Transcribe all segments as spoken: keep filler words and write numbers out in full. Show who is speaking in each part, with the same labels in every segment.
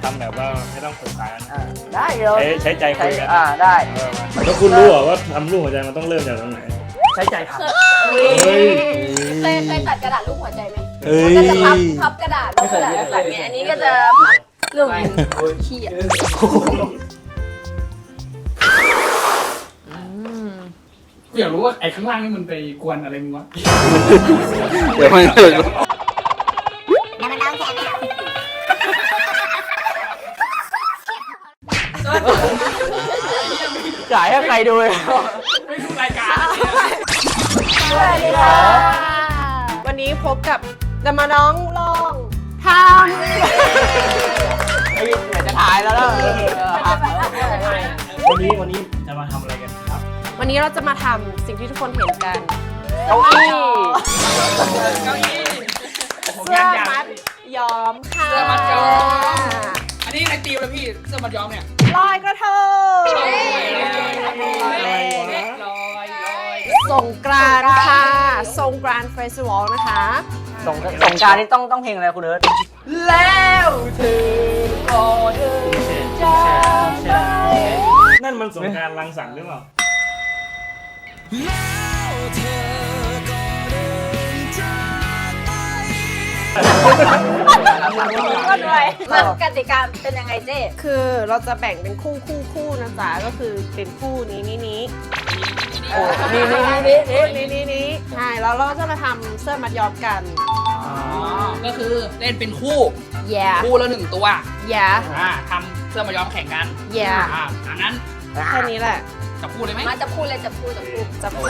Speaker 1: ำแบบว่าไม่ต้องฝึกษากัน
Speaker 2: อ่าได้เดี๋ยว
Speaker 1: ใช้ใช้ใจคุยกัน
Speaker 2: อ่าได้
Speaker 1: เออมาแล้วคุณรู้เหรอว่าทำรูปหัวใจมันต้องเริ่มจากตรงไหน
Speaker 2: ใช้ใจทำ
Speaker 1: เฮ้ย
Speaker 3: เคยเคยตัดกระดาษรูปหัวใจไหม
Speaker 1: เฮ้ย
Speaker 3: ก็จะพับพับกระดาษพับกระดาษตัดไงอันนี้ก็จะพับเรื่องขี้อ่ะ
Speaker 4: กูอยากรู้ว่าไอ้ข้างล่างนี่มันไปกวนอะไรมึงวะ
Speaker 5: เดี๋ยวมันเกิด
Speaker 2: จ่ายให้ใครดูเลย
Speaker 4: ไม่ดูรายการ
Speaker 3: สวัสดีค่ะ
Speaker 6: วันนี้พบกับจะมาน้องลองท
Speaker 2: ไอ้ยอยากจะถ่ายแล้วนะเออครับ
Speaker 1: วันนี้วันนี้จะมาทำอะไรกันครับ
Speaker 6: ำวันนี้เราจะมาทำสิ่งที่ทุกคนเห็นกัน
Speaker 2: เก้าอี้
Speaker 4: เก้าอี้โอ้โห
Speaker 6: เสื้
Speaker 4: งา
Speaker 6: อน
Speaker 4: ยาก
Speaker 6: มัดย้อมค่ะ
Speaker 4: เสื้อมัดย้อม อันนี้ในตีมเลยพี่เสื้อมัดย้อมเนี่ย
Speaker 6: ลอยกระทง
Speaker 4: ลอยลอยลอย
Speaker 6: สงกรานต์ค่ะสงกรานต์เฟสติวัลนะคะ
Speaker 2: ส่งส่งกรารนี่ต้องต้องเพลงอะไรคุณเอิร์ธแล้วเธอก็เดินจากไป
Speaker 1: นั่นมันสงกรานต์รังสรรค์หรือเปล่า
Speaker 3: ก็ด้วยมากติกาเป็นยังไงเจ๊
Speaker 6: คือเราจะแบ่งเป็นคู่คู่คู่นะจ๊ะก็คือเป็นคู่นี้นี้นี้
Speaker 2: โอ้นี่นี่นี่นี่
Speaker 6: คู่นี้นี้นี้ใช่แล้วเราจะมาทำเสื้อมัดย้อมกัน
Speaker 4: อ๋อก็คือเล่นเป็นคู่
Speaker 6: แย่
Speaker 4: คู่ละหนึ่งตัว
Speaker 6: แย่
Speaker 4: อ่าทำเสื้อมัดย้อมแข่งกัน
Speaker 6: แย่
Speaker 4: อ่าอันนั้น
Speaker 6: แค่นี้แหละ
Speaker 4: จะพูดเลยไหม
Speaker 3: มาจะพูดเลยจะพูดจะพูด
Speaker 6: จะพูด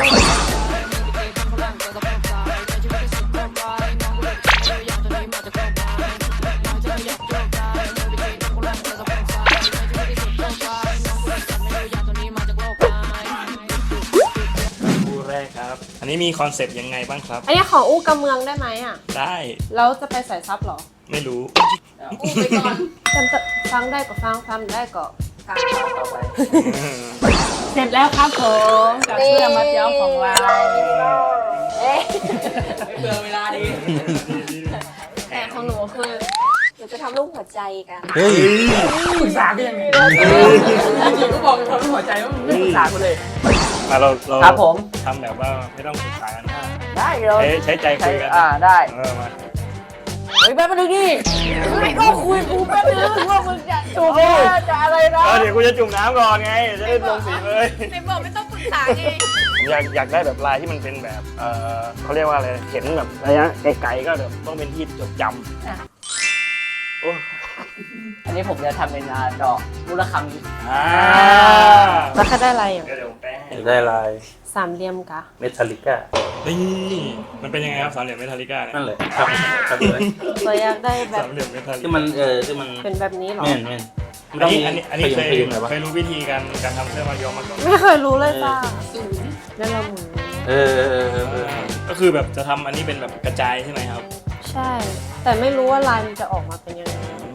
Speaker 1: คู่แรกครับ อันนี้มีคอนเซปต์ยังไงบ้างครับ
Speaker 6: อันนี้ขออู้กำเมืองได้ไหมอ่ะ
Speaker 1: ได้
Speaker 6: แล้วจะไปใส่ซับเหรอ
Speaker 1: ไม่รู้
Speaker 3: พูดไปก่อน
Speaker 6: จำจะฟังได้ก็ฟังฟังได้ก็
Speaker 3: กลาง
Speaker 2: ต่อไป
Speaker 4: เสร็จแล้วครับผมกับเสื้อมัดย้อมของเรา
Speaker 3: เอ๊ะ
Speaker 4: เบื่อเวลาดี
Speaker 3: แต่ของหนูคือหนูจะทำรูปหัวใจกัน
Speaker 5: เฮ้ย
Speaker 4: ปรึกษากันยังไงจริงๆก็บอกเลยว่าหัวใจว่าไม่ปรึกษากูเลย
Speaker 1: มาเราเรา
Speaker 2: ครับผม
Speaker 1: ทำแบบว่าไม่ต้องฝึกษากัน
Speaker 2: ได้เดี๋ยว
Speaker 1: ใช้ใช้ใจคุยกัน
Speaker 2: อ่าได้
Speaker 1: เออมา
Speaker 2: เฮ้ยแป๊บนึงดิไม่ก็คุยกูแป๊บนึงว่ามึงจะจูบจะอะไรนะ
Speaker 1: เออเดี๋ยวกูจะจุ่มน้ำก่อนไง จะได้ลงสีเลย
Speaker 3: ในบอกไม่ต้องปรึกษาไง
Speaker 1: ผมอยากอยากได้แบบลายที่มันเป็นแบบ เออเขาเรียกว่าอะไร เห็นแบบระยะไกลๆก็แบบต้องเป็นที่จดจำโอ้
Speaker 2: อันนี้ผมจะทำเป็นอ่าดอกมูลคำนี้
Speaker 1: อ่า
Speaker 6: แล้วก็ได้อะไรอย่าง
Speaker 1: เดี๋ยวเดี๋ยวผมแป้งให้
Speaker 5: ได้ลาย
Speaker 6: สามเหลี่ยมกะ
Speaker 5: เมทัลลิก้า
Speaker 1: นี่มันเป็นยังไงครับสามเหลี่ยมเมทัลลิก้าเนี่ย
Speaker 5: นั่นแหละครับครับเลย
Speaker 6: เราอยากได้แบบ
Speaker 1: สามเหลี่ยมเมทัลลิ
Speaker 5: ที่
Speaker 1: ก้า
Speaker 5: มันเออที่มัน
Speaker 6: เป็นแบบนี้เหรอ
Speaker 5: แม่นแม่นมัน
Speaker 1: อั
Speaker 5: ต้
Speaker 1: น
Speaker 5: อง
Speaker 1: นี้
Speaker 5: มี
Speaker 1: อันนี้อันนี้
Speaker 5: ข
Speaker 1: เค
Speaker 5: ย
Speaker 1: ย
Speaker 5: งขยงหน่อยวะ
Speaker 1: เคยรู้วิธีการการทำเสื้อมัดย้อมมาก่อน
Speaker 6: ไม่เคยรู้เลยจ้าแล้วเราหมุน
Speaker 5: เออเออเออเออเออ
Speaker 1: ก็คือแบบจะทำอันนี้เป็นแบบกระจายใช่ไหมครับ
Speaker 6: ใช่ แต่ไม่รู้ว่าลายมันจะออกมาเป็นยังไง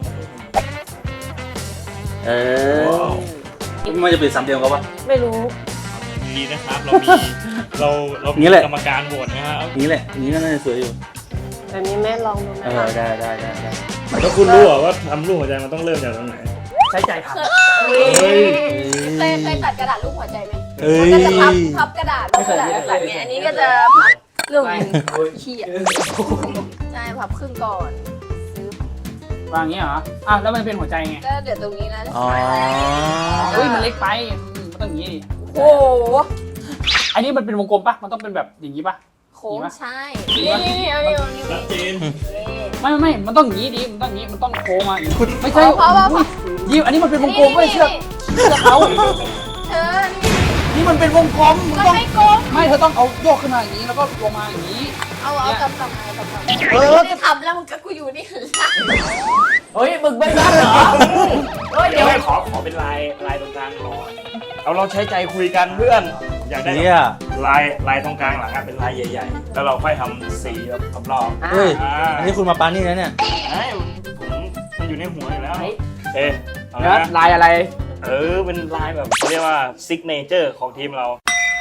Speaker 5: เออมันจะเป็นสามเหลี่ยมกับวะ
Speaker 6: ไม่รู้
Speaker 1: ดีนะครับ เรามี เราเรามี
Speaker 5: นี่แหละ
Speaker 1: กรรมการโหวตนะครับ
Speaker 5: นี้แหละนี้ก็น่าจะสวยอยู่
Speaker 6: แบบนี้แม่ลองดูไหม
Speaker 5: เออได้ได้ได้ได้
Speaker 1: แล้วคุณรู้เหรอว่าทำรูปหัวใจมันต้องเริ่มจากตรงไหน
Speaker 2: ใช้ใจทำ
Speaker 1: เฮ้ย
Speaker 3: เคยเคยตัดกระดาษรูปหัวใจไหม
Speaker 5: เฮ้ย
Speaker 3: ก็จะพับพับกระดาษพับกระดาษตัดไงอันนี้ก็จะพับเรื่องขี้อ่ะใช่พับครึ่งก่อนซื้อ
Speaker 4: วางอย่างนี้เหรออ่ะแล้วมันเป็นหัวใจไง
Speaker 3: ก็เดี๋ยวตรงนี้นะ
Speaker 5: อ๋อ
Speaker 4: เฮ้ยมันเล็กไปมันต้องอย่างนี้ดิ
Speaker 3: โอ้โห
Speaker 4: อันนี้มันเป็นวงกลมปะมันต้องเป็นแบบอย่างนี้ปะ
Speaker 3: โค้งใช่ นี่นี่นี่เอานี่เอานี่
Speaker 1: ชัดเจน
Speaker 4: ไม่ไม่ไม่มันต้องอย่างนี้ดิมันต้องอย่างนี้มันต้องโค้งมาอย่างนี้ไม่ใช่
Speaker 3: เพราะว่า
Speaker 4: ยิ้มอันนี้มันเป็นวงกลมไม่เชื่อเชื่อเขา
Speaker 3: เธอ
Speaker 4: นี่มันเป็นวงกลมมัน
Speaker 3: ก็
Speaker 4: ต้อง
Speaker 3: ไม่โกง
Speaker 4: ไม่เธอต้องเอาโยกขึ้นมาอย่างนี้แล้วก็ลงมาอย่างนี้
Speaker 3: เอาเอากำกำมากำกำ
Speaker 4: เออ
Speaker 3: จะทำแล้วมึงก็กูอยู่นี่
Speaker 2: เฮ้ยมึงไม่รับเหรอเฮ้ย
Speaker 1: เดี๋
Speaker 2: เดี๋
Speaker 1: ย
Speaker 2: ยว ว
Speaker 1: ให้ขอขอเป็นลายลายตรงกลางก่อนเอาเราใช้ใจคุยกันเพื่อน อยากได้
Speaker 5: เนี่ย
Speaker 1: ลายลายตรงกลางหลังอะเป็นลายใหญ่ๆ แล้วเราค่อยทำสีแบบรอบๆ
Speaker 5: เฮ้ย
Speaker 1: อ่า
Speaker 5: อันนี้คุณมาปานี่แล้วเนี่ย
Speaker 1: ไอ้ผมมันอยู่ในหัวอยู่แล้วเอ๊ะเอา
Speaker 4: แล้ว
Speaker 1: นะ
Speaker 4: ลายอะไร
Speaker 1: เออเป็นลายแบบเขาเรียกว่าซิกเนเจอร์ของทีมเรา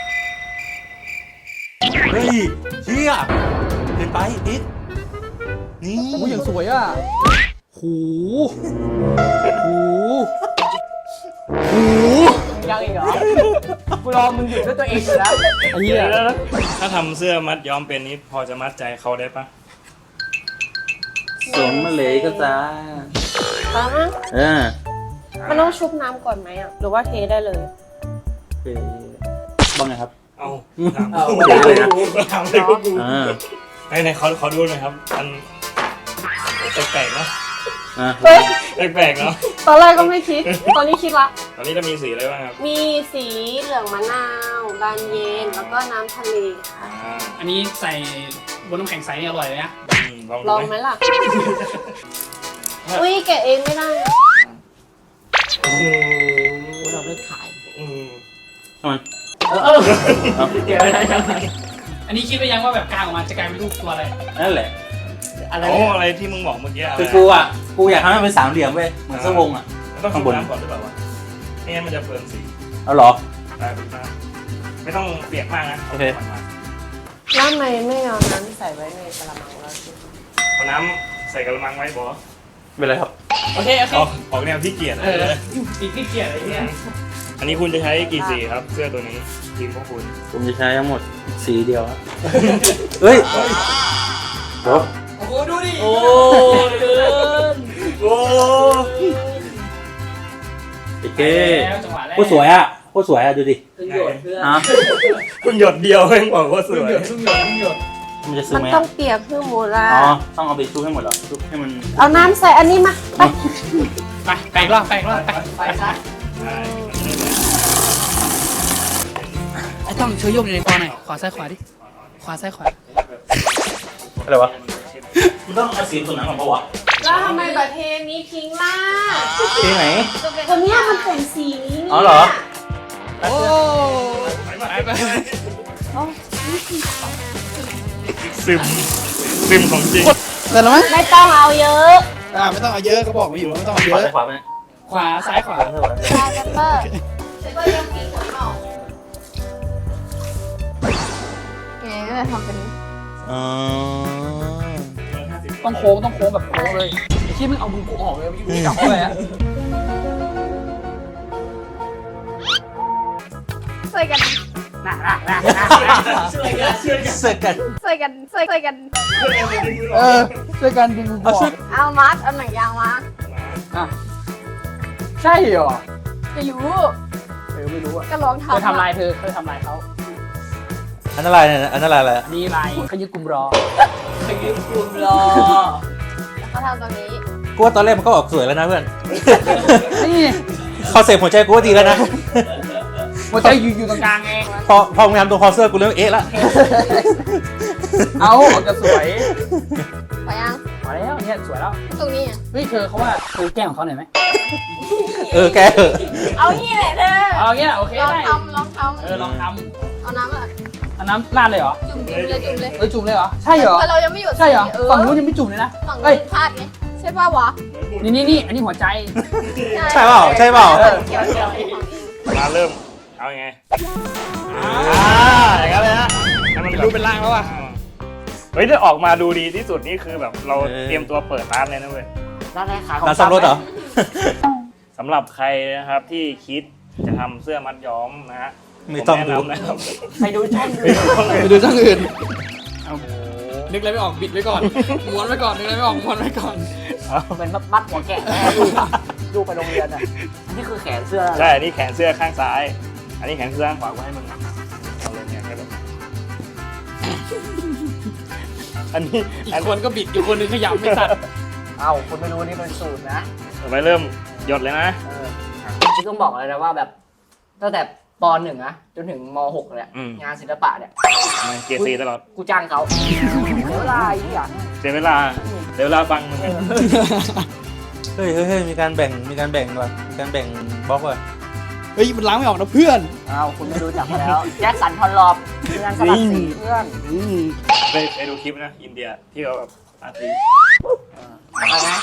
Speaker 5: เฮ้ยเชี่ยเห็นไปติ๊กนี่
Speaker 4: โอ้ยอย่างสวยอ่ะโห
Speaker 2: อีกเหรอกูรอมึงหยุดด้วยตัวเองอยู่แล้ว
Speaker 1: ไอ้เหี้ยแล้วถ้าทำเสื้อมัดย้อมเป็นนี้พอจะมัดใจเขาได้ปะ
Speaker 5: สวมมาเลยก็จ้า
Speaker 6: ตามะ
Speaker 5: เออ
Speaker 6: มันต้องชุบน้ำก่อนไหมอ่ะ หรือว่าเทได้เลย
Speaker 5: เอ๊ะบ้างไงครับ
Speaker 1: เอา
Speaker 5: เอา
Speaker 1: ถามเลยนะถามเลยกู
Speaker 5: อ่า
Speaker 1: ไหนไหนขอขอดูหน่อยครับมันแปลกๆเนาะ
Speaker 5: อ่า
Speaker 6: เฮ้ย
Speaker 1: แปลกๆเนาะ
Speaker 6: ตอนแรกก็ไม่คิด ตอนนี้คิดละ
Speaker 1: ตอนนี้จะมีสีอะไรบ้างครับ
Speaker 6: มีสีเหลืองมะนาวบานเย็น แล้วก็น้ำทะเลค่ะ
Speaker 1: อ่า
Speaker 4: อันนี้ใส่บนน้ำแข็งใสนี่อร่อยเลยนะ
Speaker 1: อืมลอง
Speaker 6: ล
Speaker 1: ดู
Speaker 6: องไหมล่ะ อุ้ยแกะเองไม่ได้อะ
Speaker 1: โอ้โห
Speaker 2: เราเลิกขาย
Speaker 1: อืม
Speaker 5: ทำไม
Speaker 2: เออเออเดี๋ยวอะไรกัน
Speaker 4: อันนี้คิดไปยังว่าแบบกลางออกมาจะกลายเป็นรูปตัวอะไร
Speaker 5: นั่นแหละ
Speaker 2: อะไร
Speaker 1: โอ้
Speaker 2: เนี่ย
Speaker 1: อะไรที่มึงบอกเมื่อกี้อะไร
Speaker 5: คือกูอ่ะ กูอยากทำให้มันเป็นสามเหลี่ยมเว้ย เหมือนเสื้อวงอ่ะ
Speaker 1: มันต้อง
Speaker 5: ข้า
Speaker 1: ชุ
Speaker 5: ง
Speaker 1: บบ
Speaker 5: น
Speaker 1: น้ำก่อนหรือเปล่าวะไม่งั้นมันจะเปลืองสี
Speaker 5: เอาเหรอ
Speaker 1: ได้ถูกมากไม่ต้องเปียกมากนะ
Speaker 5: โอเค
Speaker 1: าก่นมา
Speaker 6: แล้วทำไมไม่เอาน้ำใส่ไว้ในกระมังแล้วสิ
Speaker 1: เอาน้ำใส่กระมังไว้บอ
Speaker 5: เป็นไรครับ
Speaker 4: โอเคโอเค
Speaker 1: ออกออกแนวที่เกียจ
Speaker 4: เออปีกที่เกียร์อะไรเนี่ย
Speaker 1: อันนี้คุณจะใช้กี่สีครับ เสื้อตัวนี้ทีมพวกคุณ
Speaker 5: ผมจะใช้ทั้งหมดสีเดียวครับ เฮ้ยโอ้
Speaker 4: โอ้โหดูดิ
Speaker 2: โอ้เกิน
Speaker 1: โอ้
Speaker 5: โอเค
Speaker 4: แล้วจังหวะแรก
Speaker 5: โคตรสวยอ่ะโคตรสวยอ่ะ ดูดิ
Speaker 2: ขึ้นโยนเพื่อน
Speaker 5: อ่ะ
Speaker 1: คุณหยดเดียวเองบอกว่าส
Speaker 4: เพิ่ง
Speaker 1: วย
Speaker 4: หยดเพิ่งหยดเพิ่งหยด
Speaker 5: มันจะซึม
Speaker 6: มัน
Speaker 5: ไหม
Speaker 6: ต้อ
Speaker 5: อ่ะ
Speaker 6: งเปียกเพื่อหมูละ
Speaker 5: อ๋อ ต้องเอาไปชุบให้หมดเหรอชุบให้มัน
Speaker 6: เอาน้ำใส่อันนี้มาไป
Speaker 4: ไปแปลกรอบแปลกรอบไป
Speaker 2: ไปซะ
Speaker 1: ใช่
Speaker 4: ไอ้ต้องช่วยยกในคอหน่อยขวาซ้ายขวาดิขวาซ้ายขวา
Speaker 5: อะไรวะมันต้องเอาสีตัวนั้นก่อนปะวะ
Speaker 6: แล้วทำไมแบบเทนี้ทิ้งล่ะ
Speaker 5: สีไหน
Speaker 6: ตัวเนี้ยมันเป็นสีนี้เนี่ย
Speaker 5: อ๋อเหรอ
Speaker 4: โอ้ไปไป
Speaker 1: ซึมซึมของจริง
Speaker 4: เสร็จแล้วไหม
Speaker 6: ไม่ต้องเอาเยอะ
Speaker 4: อ่าไม่ต้องเอาเยอะก็บอกมาอยู่ไม่ต้องเอาเย
Speaker 5: ขวา
Speaker 4: อะ
Speaker 5: ขวาไป
Speaker 4: ขวาซ้ายขวา
Speaker 6: ได้กันเปอร์เซเปอร์ยังปีขนออก
Speaker 3: ไงก็จะทำเป็น
Speaker 5: อ๋อ
Speaker 4: ต้องโค้งต้องโค้งแบบโค้งเลยไอ้ที่มึงเอามือกูออกเลยมึงกลับเข้าไปอะ
Speaker 3: ช่วยกัน
Speaker 2: น่ะน่ะน่ะน่ะช่วยกันช่วยกัน
Speaker 5: เสื้อกัน
Speaker 3: ช่วยกันช่วยช่วยกัน
Speaker 4: เออช่วยกันดึงมือออก
Speaker 3: เอามัดเอาหนังยางมา
Speaker 4: อ่ะใช่เหรอ
Speaker 3: จะอยู่
Speaker 4: เออไม่รู้อ่ะ
Speaker 3: ก็ลอง
Speaker 4: เคย
Speaker 3: ทำ
Speaker 4: ทำลายเธอเคยทำลายเขา
Speaker 5: อันนั้นอะไรเนี่ยอันนั้นอะไร
Speaker 4: อันนี้ลายเขายึดกลุ่มรอ
Speaker 2: ไปยืนกลุ่มรอ
Speaker 3: แล้วก็ทำตรงนี้
Speaker 5: กูว่าตอนแรกมันก็ออกสวยแล้วนะเพื่อน
Speaker 4: นี่
Speaker 5: คอนเซ็ปต์หัวใจกูว่าดีแล้วนะ
Speaker 4: หัวใจอยู่อยู่ตรงกลางไง
Speaker 5: พอพอมึงทำตัวคอเสื้อกูเริ่มเอ๊ะละ
Speaker 4: เอาออกจะสวย
Speaker 3: ไปยัง
Speaker 4: มาแล้วเนี่ยสวยแล้ว
Speaker 3: ตรงนี้อ่ะ
Speaker 4: เฮ้ยเธอเขาว่าเธอแกล้งของเขาหน่อยไหม
Speaker 5: เออแกเถอะ
Speaker 3: เอานี่แหละเธอ
Speaker 4: เอาเงี้ยโอเค
Speaker 3: ลอง
Speaker 4: ได้
Speaker 3: ทำลองท
Speaker 4: เออลองท
Speaker 3: ำเอาน้ำอ่ะ
Speaker 4: ำอันน้ำราดเลยเหรอ
Speaker 3: จุ่มจุ่มเลยจุ่มเลย
Speaker 4: เอ้ยจุ่มเลยเหรอใช่เหรอ
Speaker 3: แต่เรายังไม่หยุด
Speaker 4: ใช่เหรอ
Speaker 3: เออ
Speaker 4: ฝั่งนู้นยังไม่จุ่มเลยนะ
Speaker 3: ฝั่ง
Speaker 4: เอ้
Speaker 3: นู้
Speaker 4: ย
Speaker 3: นพลาดไงใช่ป่าวะ
Speaker 4: นี่นี่นี่อันนี้หัวใจ
Speaker 5: ใช่เปล่าใช่เปล่า
Speaker 3: เออเกี่ยวเกี่ยว
Speaker 1: มาเริ่ม เอายังไงอ่าอย่างนั้นเลยนะให้มันรูปเป็นร่างแล้วอ่ะเฮ้ยถ้าออกมาดูดีที่สุดนี่คือแบบเราเตรียมตัวเปิดร้านเลยนะเว้ย
Speaker 2: ร้านไหนขายของ
Speaker 5: ร้านซ่อมรถเหรอ
Speaker 1: สำหรับใครนะครับที่คิดจะทำเสื้อมัดย้อมนะฮะ
Speaker 5: ไม่ต้อง
Speaker 1: ผ
Speaker 5: ดู
Speaker 1: แนะนำนะครับ
Speaker 2: ไปดูช่องดู
Speaker 4: ไปดูช่างอื่นนึกอะไรไม่ออกบิดไว้ก่อนม้วนไว้ก่อนนึกอะไรไม่ออกม้วนไว้ก่อน
Speaker 2: เป็นมัดหัวแกะแม่ลูกลูกไปโรงเรียนอ่ะอันนี้คือแขนเสื้อ
Speaker 1: ใช่ อันนี้แขนเสื้อข้างซ้าย อันนี้แขนเสื้อข้างขวากูให้มึงเอาเลยเนี่ยก็แบบอันนี้
Speaker 4: อี
Speaker 1: อั
Speaker 4: ก
Speaker 1: น
Speaker 4: คนก็บิดอีกคนนึงขยำไม่ตัด
Speaker 2: เอ้าคุณไม่รู้นี่เป็นสูตรนะ
Speaker 1: ต่อไปเริ่มหยดเลยนะ
Speaker 2: เออที่ต้องบอกเลยนะว่าแบบตั้งแต่ปหนึ่งนะจนถึงมหกเนี่ย
Speaker 1: อืม
Speaker 2: งานศิลปะเนี่ย
Speaker 1: ไม่เกียร์ซีตลอด
Speaker 2: กูจ้างเขาเสียเวลาอีกอย่าง
Speaker 1: เสียเวลาเสียเวลาฟังมึงไง
Speaker 5: เฮ้ยเฮ้ยเฮ้ยมีการแบ่งมีการแบ่งว่ะมีการแบ่งบล็อกว่ะ
Speaker 4: เฮ้ยมันล้างไม่ออกนะเพื่อน
Speaker 2: เอ้าคุณไม่รู้จักมาแล้วแจ็คสันพอลลอบงานสลัดสีเพื่อน
Speaker 1: ไปไปดูคลิปนะ อินเดียที่เขาแบบอาร์ติ
Speaker 2: เอาไง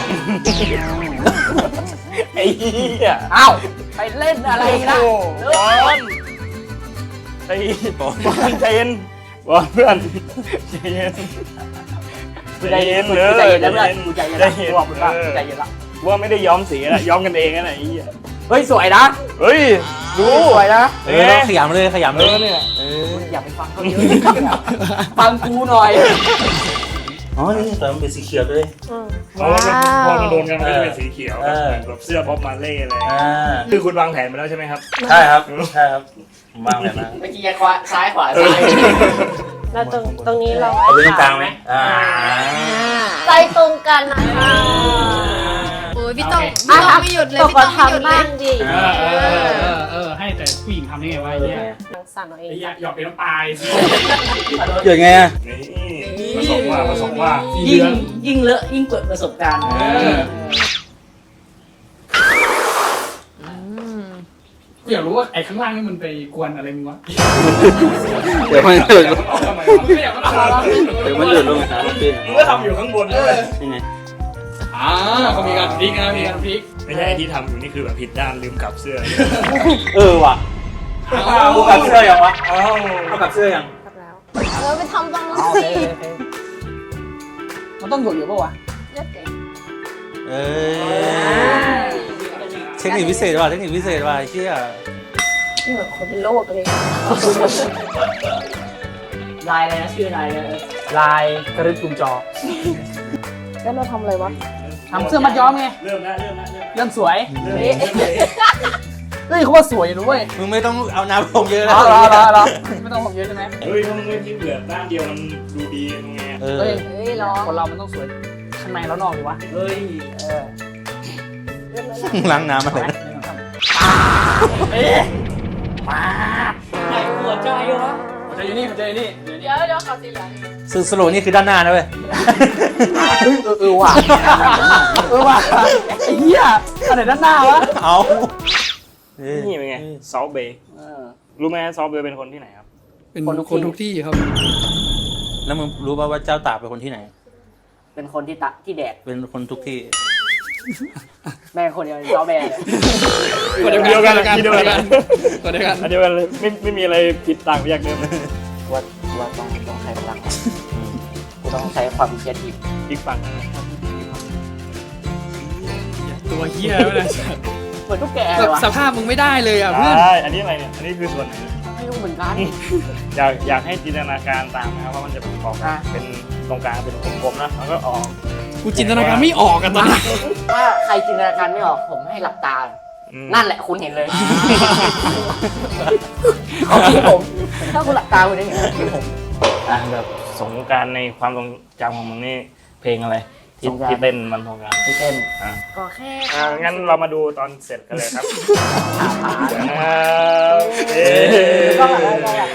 Speaker 1: ไอ้เหี้ย
Speaker 2: เอ้าไปเล่นอะไรนะ
Speaker 1: บอลไอ้บอลใจเย็นบอลเพื่อนใจเย็น
Speaker 2: กูใจเย็นกูใจเย็นแล้วเพื่อนกูใจเย็นแล้วกูบอกมึงว่ากูใจเย็นละ
Speaker 1: ว่าไม่ได้ย้อมสีนะย้อมกันเองนะไอ้เหี้ย
Speaker 2: เฮ้ยสวยนะ
Speaker 1: เฮ้ยดู
Speaker 2: สวยนะ
Speaker 5: เออเราขยำเลยขยำเลย
Speaker 1: เนี่ย
Speaker 5: เออ
Speaker 2: อย่าไปฟังเขาเยอะฟังกูหน่อย
Speaker 5: อ๋อนี่แต่มันเป็นสีเขียวด้วย
Speaker 1: เพราะว่าพอมันโดนกันมันก็จะเป็นสีเขียว
Speaker 5: เออ
Speaker 1: แบบเสื้อบ๊อบมาเล่อะไร
Speaker 5: อ่า
Speaker 1: คือคุณวางแผนไปแล้วใช่ไหมครับ
Speaker 5: ใช่ครับใช่ครับผมวางแบบนั้น
Speaker 2: เมื่อกี้ขวาซ้ายขวาซ้าย
Speaker 6: แล้วตรงตรงนี้เรา
Speaker 5: เอาไว้ตรงกลางไหมอ่า
Speaker 3: ใจตรงกันนะคะโอ้ยพี่ต้องพี่ต้องไม่หยุดเลย
Speaker 6: ตก
Speaker 3: พี่
Speaker 6: ก็
Speaker 3: ต้องไม่หยุด
Speaker 6: ทำ
Speaker 3: เล
Speaker 6: บ้าย งดิ
Speaker 4: เออเออเออเออให้แต่ผู้หญิงทำได้ไงวะไอ้เนี่ย
Speaker 6: สั่งเอาเอง
Speaker 4: ไอ้ยาหยอกเป็นน้ำปลายสิ
Speaker 5: เกิดไงอ่ะ
Speaker 1: นี่ผสมว่าผสมว่า
Speaker 2: ยิ่งยิ่งเลอะยิ่งเกิดประสบการณ์
Speaker 4: เอออยากรู้ว่าไอ้ข้างล่างนี่มันไปกวนอะไรมึงวะ
Speaker 5: เดี๋ยวมันเดือด
Speaker 4: ไม่อยากมาทำ
Speaker 5: เดี๋ยวมันเดือดลงนะพี่
Speaker 1: มึงก็ทำอยู่ข้างบนด้วย
Speaker 5: ยังไง
Speaker 4: อ่าเขามีการพลิกนะมีการพลิก
Speaker 1: ไม่ใช่ที่ทำอยู่นี่คือแบบผิดด้านลืมกลับเสื้อ
Speaker 5: เออว่ะเอากับเสื้อยังวะ
Speaker 1: เอ้า
Speaker 5: เอากับเสื้อยัง
Speaker 6: ครับแล้ว
Speaker 3: เออไปทำตรงนั้น
Speaker 2: โอ
Speaker 3: สิ
Speaker 2: เคโอเค
Speaker 4: มันต้องหยุดอยู่ปะวะ
Speaker 3: เลือกเอง
Speaker 5: เออเทคนิคพิเศษว่ะเทคนิคพิเศษว่ะไอ้เชี่ย
Speaker 6: นี่เหมือนคนเป็นโรคเลย
Speaker 2: ลายอะไรนะชื่อลายเลยลายกระดึ๊บกุมจอ
Speaker 6: แล้วเราทำอะไรวะ
Speaker 4: ทำเสื้อมัดย้อมไง
Speaker 1: เริ่มแล้วเริ่มแล้วเริ่ม
Speaker 4: เริ่มสวย
Speaker 1: เริ่มแล้วเริ่มแล้ว
Speaker 4: เฮ้ยเขาว่าสวยนะเว้ย
Speaker 5: มึงไม่ต้องเอาน้ำลงเยอะแล้
Speaker 4: ร
Speaker 5: ว
Speaker 4: อรอรอรอไม่ต้องผมเยอะใช่ไหม
Speaker 1: เฮ้ยถ้ามึงไม่ทิ้งเหลือด้านเดียวมันดูดียังไง
Speaker 5: เออ
Speaker 4: เฮ้ย
Speaker 3: เฮ้ยร้อง
Speaker 4: คนเรามันต้องสวยข้างในแล้วนอกดีวะ
Speaker 2: เฮ้ย
Speaker 4: เออ
Speaker 5: ล้างน้ำอะไรนะ
Speaker 4: เอ๊ะมา
Speaker 2: ไหนหัวใจวะ
Speaker 4: หัวใจอยู่นี่หัวใจอยู่นี่เดี๋ยวนี้
Speaker 3: เดี๋ยวเดี๋ยวขอสีเหลืองอีก
Speaker 5: สโลว์นี่คือด้านหน้านะเว้ย
Speaker 2: เฮ้ยเออเออว่ะ
Speaker 4: เออว่ะไอ้เหี้ยอันไหนด้านหน้าวะ
Speaker 5: เอาเออ
Speaker 1: นี่เป็นไงซอฟเบย์รู้ไหมซอฟเบย์เป็นคนที่ไหนครับ
Speaker 4: เป็นคนทุกที่ครับ
Speaker 5: แล้วมึงรู้ป่าวว่าเจ้าตากเป็นคนที่ไหน
Speaker 2: เป็นคนที่ตะที่แดด
Speaker 5: เป็นคนทุกที่
Speaker 2: แม่งคนเดียวจอแบนเลย
Speaker 1: คนเดียวกันที่เดียวกัน
Speaker 4: คนเดียวกัน
Speaker 1: อันเดียวกันเลยไม่ไม่มีอะไรผิดต่างไปจากเดิมเลย
Speaker 2: ว่าว่าต้องต้องใช้พลังกูต้องใช้ความคิดที
Speaker 1: อีกฝั่ง
Speaker 4: ตัวเหี้ยไม่ได้
Speaker 2: เหมือนตุ๊กแกเลยวะ
Speaker 4: สภาพมึงไม่ได้เลยอ่ะเพื่อน
Speaker 1: ใช่อันนี้อะไรเนี่ยอันนี้คือส่วนไหน
Speaker 2: ไม่รู้เหมือนกัน
Speaker 1: อยากอยากให้จินตนาการตามนะครับว่ามันจะประกอบกันเป็นตรงกลางเป็นกลมๆนะแล้วก็ออก
Speaker 4: กูจินตนาการไม่ออกกันตอนนี้
Speaker 2: ถ้าใครจินตนาการไม่ออกผมให้หลับตา
Speaker 1: อืม
Speaker 2: นั่นแหละคุณเห็นเลยเขาคิดผม ถ้าคุณหลับตาคุณได้เห็นคือผม
Speaker 1: อ่ะแบบสงกรารในความทรงจำของมึงนี่เพลงอะไรที่
Speaker 2: สงกรานต์
Speaker 1: ที่เต้นมันสงกราร
Speaker 2: พี่เต้น
Speaker 1: อ่ะ
Speaker 3: ก็แค่
Speaker 1: อ่ะงั้นเรามาดูตอนเสร็จกันเลยครับ
Speaker 2: ขาขา
Speaker 1: เดี๋ยวนะครับเอ๊ะ
Speaker 2: ก็อะไรก็อะไร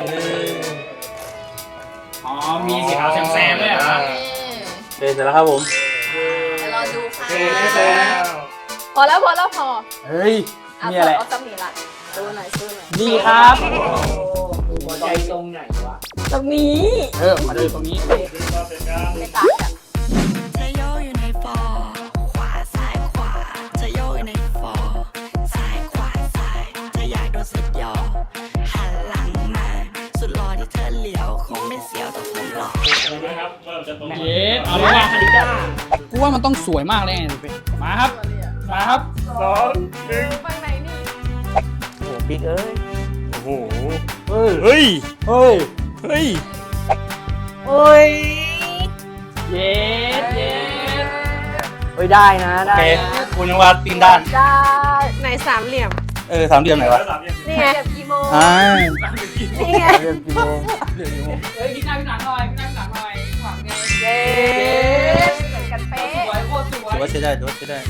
Speaker 4: อ๋อมีสีขาวแซมๆด้วยเหรอ
Speaker 5: เสร็จแล้วครับผม
Speaker 3: เดี๋ยวรอดูค่ะ
Speaker 1: เสร็จแล้ว
Speaker 3: พอแล้วพอแล้วพอ
Speaker 4: เฮ้ย
Speaker 3: เอา
Speaker 4: มีอะไร
Speaker 3: เอาซัมนี่ละดูหน่อยซื้อหน่อย
Speaker 4: นี่ครับ
Speaker 2: หัวใจตรงไหนวะ
Speaker 3: ตรงนี้
Speaker 4: เออมาดูตรงนี้
Speaker 3: ไม่ต่างกัน
Speaker 7: จะโยกอยู่ในฟอร์ขวาซ้ายขวาจะโยกอยู่ในฟอร์ซ้ายขวาซ้ายจะอยากโดนสุดยอหันหลังมาสุดหล่อที่เธอเหลียวคงไม่เสียวแต่ผมหล่อ
Speaker 1: นะครับว่าเราจะตรง
Speaker 4: เย็ดเอาเลยว่ะกูว่ามันต้องสวยมากเลยไงมาครับ มาครับ
Speaker 1: สองหนึ่ง
Speaker 3: ไปไหนนี่
Speaker 2: โอ้บิ๊กเอ้ย
Speaker 1: โอ้โห
Speaker 2: เฮ้ย
Speaker 1: เฮ้ย
Speaker 2: เฮ้ย
Speaker 1: เฮ้ย
Speaker 2: เฮ้ย
Speaker 4: เย็ดเย็ด
Speaker 2: เฮ้ยได้นะ
Speaker 5: โอ
Speaker 2: ได้
Speaker 5: เค
Speaker 2: นะ
Speaker 5: คุณยังวาดตีนด้าน
Speaker 3: ได้
Speaker 6: ในสามเหลี่ยม
Speaker 5: เออสามเหลี่ยมไหนวะ
Speaker 6: นี่ไง
Speaker 3: เก็บกี่โมง
Speaker 5: อ่า
Speaker 6: นี่ไง
Speaker 2: เริ่มกี่โมง
Speaker 4: เฮ้ยพี่หน้าพี่หนังหน่อยพี่หน้าพี่หนังหน่อยขวางไง
Speaker 3: เย้เหมือนกันเป๊ะ
Speaker 4: สวยโคตรสว
Speaker 5: ถือว่าย ใช้ได้ถือว่าใช้ได้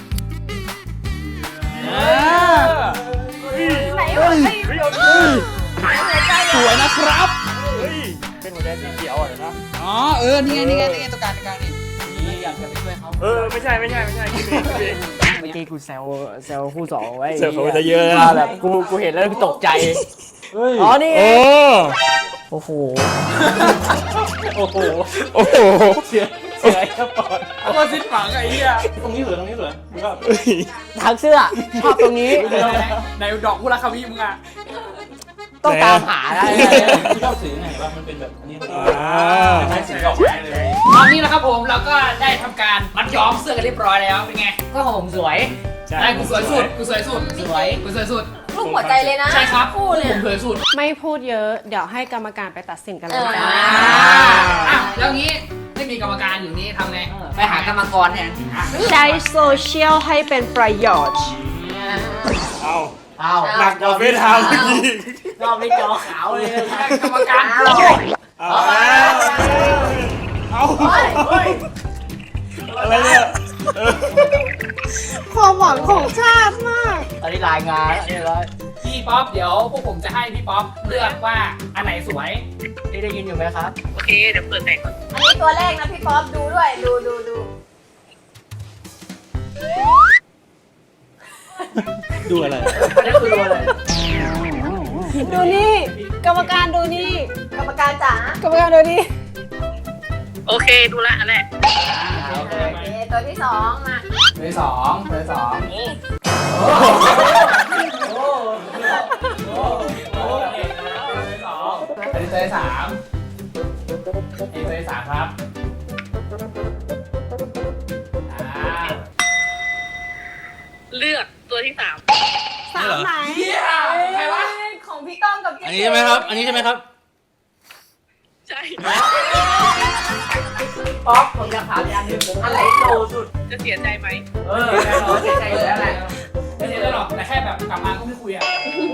Speaker 4: เออ
Speaker 3: ไหนวะไอ้หัวใจ
Speaker 4: สวยนะครับ
Speaker 1: เฮ้ยเป็นหัวใจสีเขียวอ่ะเดี๋ยวนะ
Speaker 4: อ๋อเออนี่ไงนี่ไงนี่ไงตัวกลางตัวกลางนี่นี่อยากจะไปช่วยเขา
Speaker 1: เออไม่ใช่ไม่ใช่ไม่ใช่คิดเองคิดเอง
Speaker 2: เมื่อกี้กูแซวแซวคู่สองไว้
Speaker 1: เสิร์ฟเขาจะเยอะ
Speaker 2: ว่า
Speaker 1: นะ
Speaker 2: แบบกูกูเห็นแล้วกูตกใจ
Speaker 5: เฮ้ย
Speaker 2: อ๋อนี่
Speaker 1: โอ้
Speaker 2: โอ้โห
Speaker 5: โอ้โห
Speaker 1: โอ้โห
Speaker 5: เสียเสียไอ้กระป๋อง
Speaker 4: เอามาซิดฝังไอ้เหี้ย
Speaker 5: ตรงนี้เหรอตรงนี้เหรอมึงก็
Speaker 1: เฮ้ย
Speaker 2: ทางเสื้อชอบตรงนี้
Speaker 4: ในดอกกุหลาบคาวีมึงอ่ะ
Speaker 2: ต้องตามหาได้
Speaker 5: ที่ชอบสีไหนวะมันเป็นแบบอันนี้
Speaker 1: อ่า
Speaker 5: ใช้สีออกได้เลย
Speaker 4: ตอนนี้นะครับผมเราก็ได้ทำการมัดย้อมเสื้อกันเรียบร้อยแล้วเป็นไง
Speaker 2: ก็ของผมสวย
Speaker 5: เ
Speaker 1: ใช่
Speaker 4: ใช่กูสวยสุดกูสวยสุด
Speaker 2: สวย
Speaker 4: กูสวยสุด
Speaker 3: ลูกหัวใจเลยนะ
Speaker 4: ใช่ครับ
Speaker 3: คู่เนี่ย
Speaker 4: ผมสวยสุด
Speaker 6: ไม่พูดเยอะ เดี๋ยวให้กรรมการไปตัดสินกันเลยจ้า
Speaker 4: อ่ะแล้วงี้ไม่มีกรรมการอยู่นี่ทำไง
Speaker 2: ไปหากรรมกรแทน
Speaker 6: ใช้โซเชียลให้เป็นประโยชน์
Speaker 1: เอา
Speaker 2: เอา
Speaker 1: หนักกว่าเฟซไทม์เมื่อกี้
Speaker 2: รอบนี้จอขาวเลย
Speaker 4: กรรมการ
Speaker 2: เอา
Speaker 1: เอาแล้วเอาอะไรเนี่ยเออ
Speaker 6: ความหวังของชาติมาก
Speaker 2: ตอนนี้รายงานแล้วเรียบร้อย
Speaker 4: พี่ป๊อปเดี๋ยวพวกผมจะให้พี่ป๊อปเลือกว่าอันไหนสวย
Speaker 2: พี่ได้ยินอยู่ไหมครับ
Speaker 4: โอเคเดี๋ยวเปิดแต่งก่อน
Speaker 3: อันนี้ตัวแรกนะพี่ป๊อปดูด้วยดูดูดู
Speaker 5: ดูอะไร
Speaker 2: อันนี้คือโดนเลย
Speaker 6: ดูนี่ กรรมการดูนี่
Speaker 3: กรรมการจ๋าก
Speaker 6: รรมการดูนี่
Speaker 4: โอเคดูละอันแรก
Speaker 3: โอเคตัวที่สองมา
Speaker 4: ตัวที่สองตัวที่สองอันนี้ตัวที่สามอันนี้ตัวที่สามครับอ่า
Speaker 8: เลือกตัวที่สาม
Speaker 6: สามไหน
Speaker 4: เฮียใครวะ
Speaker 3: ของพี่ก้องกับพี่
Speaker 5: อันนี้ใช่ไหมครับ อันนี้ใช่ไหมครับ
Speaker 8: ใช่
Speaker 2: ป๊อปผมอยากถามอีกอันหนึงอะไรโตสุด
Speaker 8: จะเสียใจไหม
Speaker 2: เออแน่นอนเสียใจอยู่แล้วแหละ
Speaker 4: ไม่ใช่เรื่องหรอกแต่แค่แบบกลับมาก็ไม่คุยอ่ะ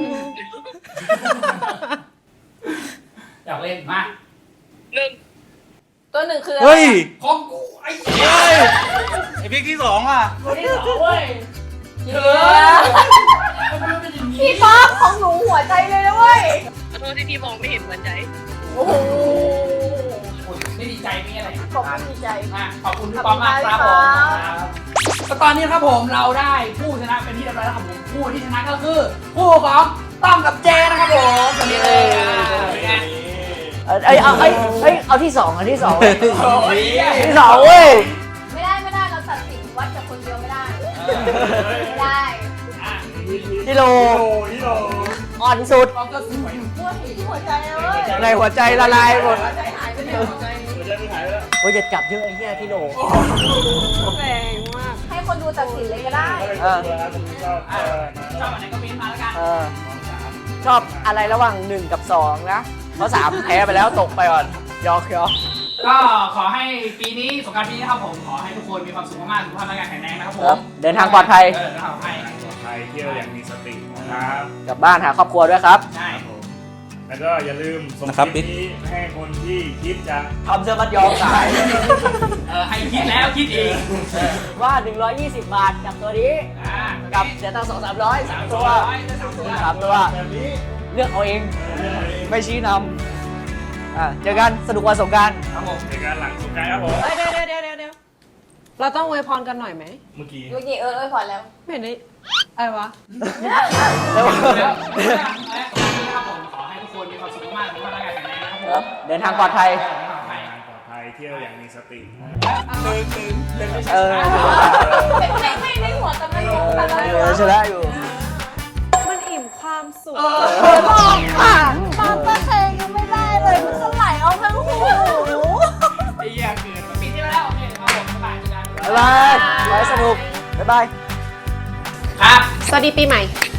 Speaker 4: อยากเล่นมา
Speaker 8: หนึ่ง
Speaker 3: ตัวหนึ่งคืออะไร
Speaker 5: เฮ้ย
Speaker 4: ของกูไอ้
Speaker 5: เฮ้ย ไอพิกที่สองอ่ะ
Speaker 4: ตัวที่สองเว้ยเออ
Speaker 3: พี่ป๊อปของหนูหัวใจเลยนะเว้ย
Speaker 8: ขอโทษที่พี่มองไม่เห็นหัวใจ
Speaker 3: โอ้โห
Speaker 4: ไม่ดีใจไม่อะไร
Speaker 3: ขอบคุณดีใจ
Speaker 4: อ่ะขอบคุณพี่ป๊อปมากครับผมครับก็ตอนนี้ครับผมเราได้ผู้ชนะเป็นที่เรียบร้อยแล้วครับผมผู้ที่ชนะก็คือผู้ของต้อมกับเจนะครับผมตอนนี้เลยอ่ะเป็นไง
Speaker 2: เอ้ยเอาเอ้ยเอ้ยเอาที่สองเอาที่สอง
Speaker 4: โอ้ย
Speaker 2: ที่สองเว้ย
Speaker 3: ไม่ได้ไม่ได้เราตัดสินวัดจากคนเดียวไม่ได้ไม่ได้
Speaker 4: อ่ะ
Speaker 2: ที่โล
Speaker 1: โอ้ที่เรา
Speaker 2: อ่อนสุด
Speaker 4: ป๊อปก็สวย
Speaker 3: ปวดที่หัวใจเลย
Speaker 2: ในหัวใจละลายหมด
Speaker 3: หัวใจหายไปเลย
Speaker 1: หัวใจไม่หายไปแล้ว
Speaker 2: โอ้ยจะจับเยอะไอ้เหี้ยที่โล
Speaker 6: แรงมาก
Speaker 3: ให้คนดูตัดสินเลยก็ได้
Speaker 2: เออ
Speaker 1: ผมชอบเออ
Speaker 4: ชอบอันไหนก็เม้นต์มาแล้วกัน
Speaker 2: เออ ชอบอะไรระหว่างหนึ่งกับสองนะ เพราะสามแพ้ไปแล้วตกไปก่อนยอกยอก
Speaker 4: ก็ขอให้ปีนี้สงกรานต์ปีนี้นะครับผมขอให้ทุกคนมีความสุขมากๆสุขภาพร่างกายแข็งแรงนะครับผ
Speaker 2: ครั
Speaker 4: ม
Speaker 2: บเดินทางปลอดภัย
Speaker 4: เออเดินทางปลอดภัย
Speaker 1: ไทยเที่ยวอย่างมีสตินะครับ
Speaker 2: กลับบ้านหาครอบครัวด้วยครับ
Speaker 4: ใช่
Speaker 1: แล้วก็อย่าลืมส่ง
Speaker 5: นะครับ
Speaker 1: คลิปนี้ให้คนที่คิดจะ
Speaker 2: ทำเสื้อมัดยอมขาย
Speaker 4: เออให้คิดแล้วคิดอีก
Speaker 2: ว่าหนึ่งร้อยยี่สิบบาทกับตัวนี้
Speaker 4: อ่า
Speaker 2: กับเสียตังค์สองสามร้อยสาม
Speaker 4: ตั
Speaker 2: ตัว ว
Speaker 4: ร้อยได้สามตัว
Speaker 2: สามตัว
Speaker 1: แบบนี้
Speaker 2: เลือกเอาเอง ไม่ชี้นำอ่ะเจอกันสนุกวันสงกรานต์
Speaker 4: ครับผม
Speaker 1: ในการหลังสงกรานต์ครับผม
Speaker 6: เดี๋ยวเดี๋ยวเดี๋ยวเดี๋ยวเดี๋ยวเราต้องอวยพรกันหน่อยไหม
Speaker 1: เมื่อกี้
Speaker 3: เมื่อกี้เออเออพอแล้ว
Speaker 6: ไม่เห็นได้อะไรวะ
Speaker 2: แล้ว
Speaker 4: แล้วนะครับผมขอให้ทุกคนมีความสุขมากๆสุขภาพร่างกายแข็งแรงนะครับผ
Speaker 2: ครับ
Speaker 4: ม
Speaker 2: เดินทางปลอดภัย
Speaker 4: เดินทางปลอดภัย
Speaker 1: ปลอดภัยเที่ยวอย่างมีสติ
Speaker 2: เออ
Speaker 3: เป็นเพลงไม่ในหัวแต่ไม่รู้แต่ละ
Speaker 2: เออชนะอยู่
Speaker 6: มันอิ่มความสุข
Speaker 3: บอกค่ะตอนต้นเพลงยังไม่ได้เลยมันก็ไหลเอาทั้งหู
Speaker 4: ไอ้เหี้ยเกินปีที่แล้วโอเคครับผมบ๊ายบายเจอกัน
Speaker 2: บ๊ายบายไว้สนุก บ๊ายบาย
Speaker 4: ครับ
Speaker 6: สวัสดีปีใหม่